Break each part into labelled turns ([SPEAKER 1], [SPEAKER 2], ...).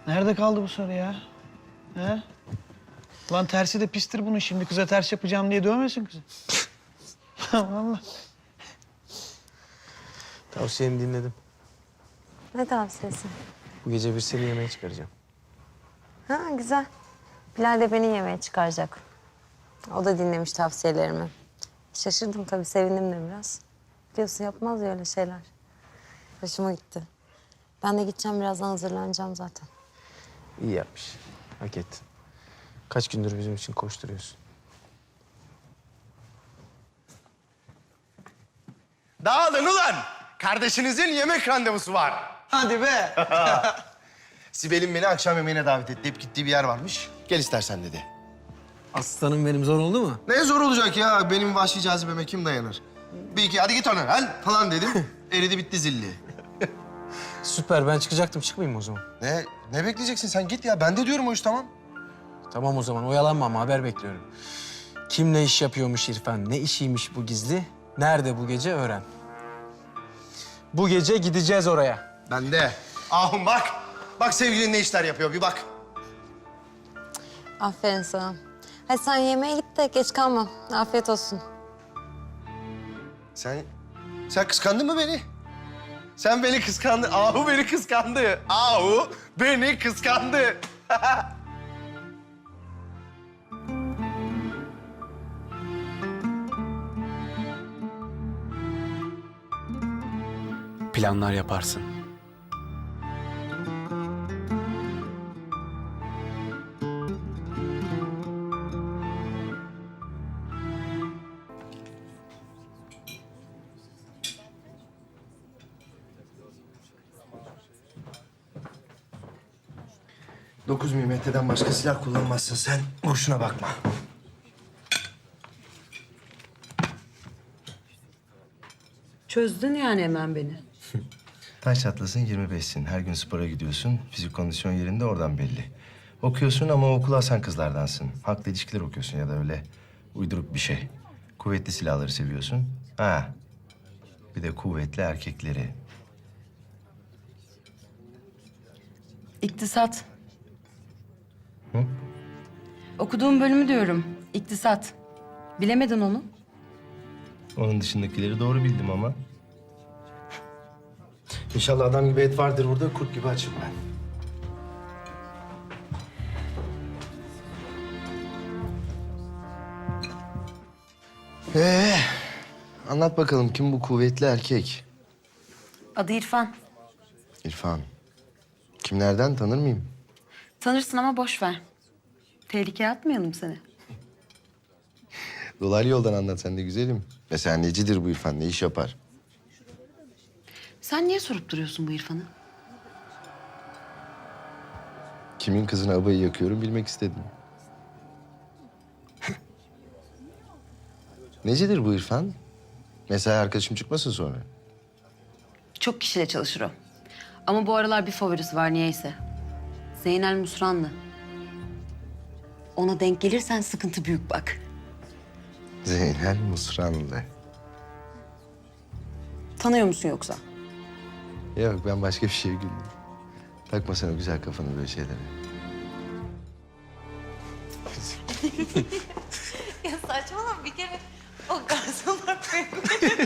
[SPEAKER 1] Nerede kaldı bu soru ya? He? Lan tersi de pistir bunun şimdi. Kıza ters yapacağım diye dövmesin kızı. Vallahi.
[SPEAKER 2] Tavsiyeni dinledim.
[SPEAKER 3] Ne tavsiyesi?
[SPEAKER 2] Bu gece bir seni yemeğe çıkaracağım.
[SPEAKER 3] Ha güzel. Bilal de beni yemeğe çıkaracak. O da dinlemiş tavsiyelerimi. Şaşırdım tabii, sevindim de biraz. Biliyorsun yapmaz ya öyle şeyler. Hoşuma gitti. Ben de gideceğim, birazdan hazırlanacağım zaten.
[SPEAKER 2] İyi yapmış. Hak ettin. Kaç gündür bizim için koşturuyorsun.
[SPEAKER 4] Dağılın ulan! Kardeşinizin yemek randevusu var.
[SPEAKER 1] Hadi be.
[SPEAKER 4] Sibel'in beni akşam yemeğine davet etti. Hep gittiği bir yer varmış. Gel istersen dedi.
[SPEAKER 2] Aslanım benim, zor oldu mu?
[SPEAKER 4] Ne zor olacak ya? Benim vahşi cazibeme kim dayanır? Bir iki hadi git ona lan falan dedim. Eridi bitti zilli.
[SPEAKER 2] Süper, ben çıkacaktım. Çıkmayayım o zaman.
[SPEAKER 4] Ne bekleyeceksin sen? Git ya. Ben de diyorum o iş tamam.
[SPEAKER 2] Tamam o zaman, oyalanma ama haber bekliyorum. Kim ne iş yapıyormuş İrfan, ne işiymiş bu gizli, nerede bu gece öğren. Bu gece gideceğiz oraya.
[SPEAKER 4] Ben de. Ahum bak. Bak sevgilin ne işler yapıyor bir bak.
[SPEAKER 3] Aferin sana. Hadi sen yemeğe git de geç kalma. Afiyet olsun.
[SPEAKER 4] Sen kıskandın mı beni? Sen beni kıskandın. Ahu beni kıskandı. Ahu beni kıskandı.
[SPEAKER 5] Planlar yaparsın.
[SPEAKER 4] Dokuz milimetreden başka silah kullanmazsın sen. Boşuna bakma.
[SPEAKER 6] Çözdün yani hemen beni.
[SPEAKER 4] Taş çatlasın 25'sin. Her gün spora gidiyorsun. Fizik kondisyon yerinde oradan belli. Okuyorsun ama okulu asan kızlardansın. Halkla ilişkiler okuyorsun ya da öyle uyduruk bir şey. Kuvvetli silahları seviyorsun. Ha. Bir de kuvvetli erkekleri.
[SPEAKER 6] İktisat. Okuduğum bölümü diyorum. İktisat. Bilemedin onu.
[SPEAKER 4] Onun dışındakileri doğru bildim ama. İnşallah adam gibi et vardır burada. Kurt gibi açım ben. Anlat bakalım kim bu kuvvetli erkek?
[SPEAKER 6] Adı İrfan.
[SPEAKER 4] İrfan. Kimlerden tanır mıyım?
[SPEAKER 6] Tanırsın ama boş ver. Tehlikeye atmayalım seni.
[SPEAKER 4] Dolaylı yoldan anlat sen de güzelim. Mesela necidir bu İrfan? Ne iş yapar?
[SPEAKER 6] Sen niye sorup duruyorsun bu İrfan'ı?
[SPEAKER 4] Kimin kızına abayı yakıyorum bilmek istedim. Necidir bu İrfan? Mesai arkadaşım çıkmasın sonra.
[SPEAKER 6] Çok kişiyle çalışır o. Ama bu aralar bir favorisi var niyeyse. Zeynel Musranlı. Ona denk gelirsen sıkıntı büyük bak.
[SPEAKER 4] Zeynel Musranlı.
[SPEAKER 6] Tanıyor musun yoksa?
[SPEAKER 4] Yok ben başka bir şeye güldüm. Takma sen o güzel kafanı böyle şeylere.
[SPEAKER 3] Ya saçmalama bir kere. O garsonlar pek...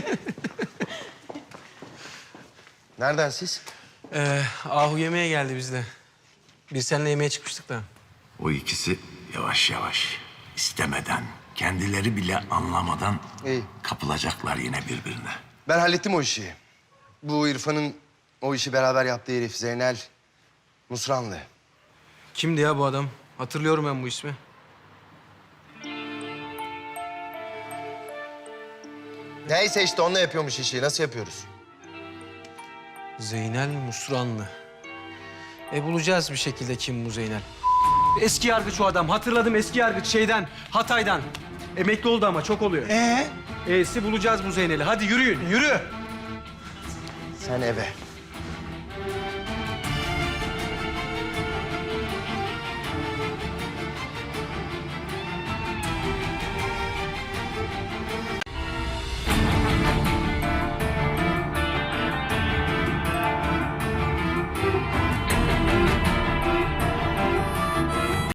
[SPEAKER 4] Nereden siz?
[SPEAKER 2] Ahu yemeğe geldi bizde. Biz seninle yemeğe çıkmıştık da.
[SPEAKER 7] O ikisi yavaş yavaş, istemeden, kendileri bile anlamadan
[SPEAKER 4] İyi.
[SPEAKER 7] kapılacaklar yine birbirine.
[SPEAKER 4] Ben hallettim o işi. Bu İrfan'ın o işi beraber yaptığı herif Zeynel Musranlı.
[SPEAKER 2] Kimdi ya bu adam? Hatırlıyorum ben bu ismi.
[SPEAKER 4] Neyse işte onunla yapıyormuş işi. Nasıl yapıyoruz?
[SPEAKER 2] Zeynel Musranlı. Bulacağız bir şekilde kim bu Zeynel. Eski yargıç o adam. Hatırladım, eski yargıç şeyden, Hatay'dan. Emekli oldu ama çok oluyor. Bulacağız bu Zeynel'i. Hadi yürüyün, yürü.
[SPEAKER 4] Sen eve.